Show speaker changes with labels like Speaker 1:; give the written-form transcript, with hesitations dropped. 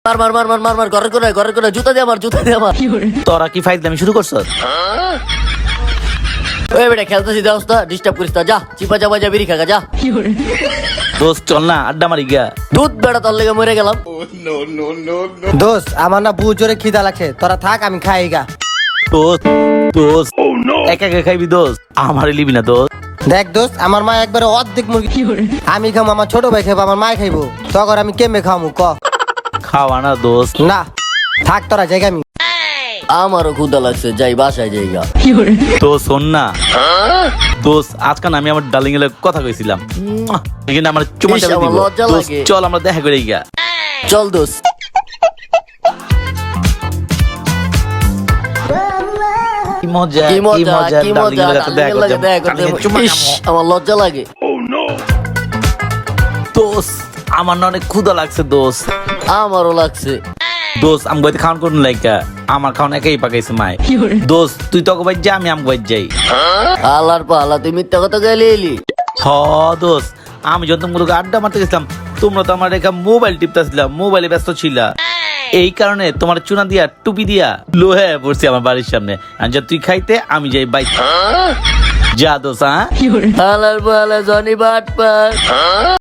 Speaker 1: মার মার মার মার মার মার ঘরে করে জুতা দিয়ে আমার
Speaker 2: তোরা কি ফাইজলামি শুরু করছ?
Speaker 1: ওই বেটা খেলতেছি দেওস না, ডিস্টার্ব করিস না, যা চিপা চাপা যা বিড়ি খাগা যা।
Speaker 2: দোস্ত চল না আড্ডা মারি গিয়া।
Speaker 1: দুধ বেড়া তোর লেগে মরে গেলাম।
Speaker 3: দোস্ত আমার না বহু জোরে খিদা লাগছে, তোরা থাক আমি খাই গা।
Speaker 2: দোস্ত দোস্ত একা একা খাইবি দোস্ত, আমারে লিবি না দোস্ত।
Speaker 3: দেখ দোস্ত আমার মা একবারে অর্ধেক মুরগি আমি খাবো, আমার ছোট ভাই খাবো, আমার মা খাইবো, তখন আমি কেমনে খাবো ক?
Speaker 2: খাওয়া না দোস্ত।
Speaker 3: না থাক তোরা জায়গা আমি।
Speaker 1: আমারও ক্ষুধা লাগছে, যাই বাসায় যাইগা।
Speaker 2: দোস্ত শোন না দোস্ত, আজকাল আমি আমার ডার্লিং এর কথা কইছিলাম, এখানে আমার চুমা
Speaker 1: ইস,
Speaker 2: চাপা
Speaker 1: আমার
Speaker 2: দিব।
Speaker 1: লজ্জা
Speaker 2: দোস্ত
Speaker 1: লাগে।
Speaker 2: চল আমরা দেখা করে গিয়া।
Speaker 1: চল দোস্ত।
Speaker 2: কি মজা
Speaker 1: কি মজা কি
Speaker 2: darling
Speaker 1: মজা,
Speaker 2: এর কাছে দেখা
Speaker 1: ডার্লিংয়ের লাগে
Speaker 2: করতে,
Speaker 1: দেখা করতে।
Speaker 2: darling এর চুমা
Speaker 1: ইস,
Speaker 2: খাবো।
Speaker 1: আমার লজ্জা লাগে।
Speaker 2: দোস্ত আমার না অনেক ক্ষুধা লাগছে দোস্ত।
Speaker 1: আমারও লাগছে।
Speaker 2: দোস্ত আমি বাইতে খাওয়ান করুন লাইকা, আমার খাওয়ান একাই পাকাইছে মায়। দোস্ত তুই তো বাইর যা, আমি আম বাইর যাই।
Speaker 1: আলার পালা তুই মিথ্যা কথা গেলে এলি।
Speaker 2: হ দোস্ত, আমি যখন তোমাকে আড্ডা মারতে গেছিলাম, তোমরা তো আমার রেখা মোবাইল টিপতেছিলাম, মোবাইলে ব্যস্ত ছিলা। এই কারণে তোমার চুনা দিয়া টুপি দিয়া লোহে পড়ছি আমার বাড়ির সামনে। আর যা তুই খাইতে আমি যাই বাইক। যা দোস্ত। হ্যাঁ
Speaker 1: আলার পালা জনি বাটপার।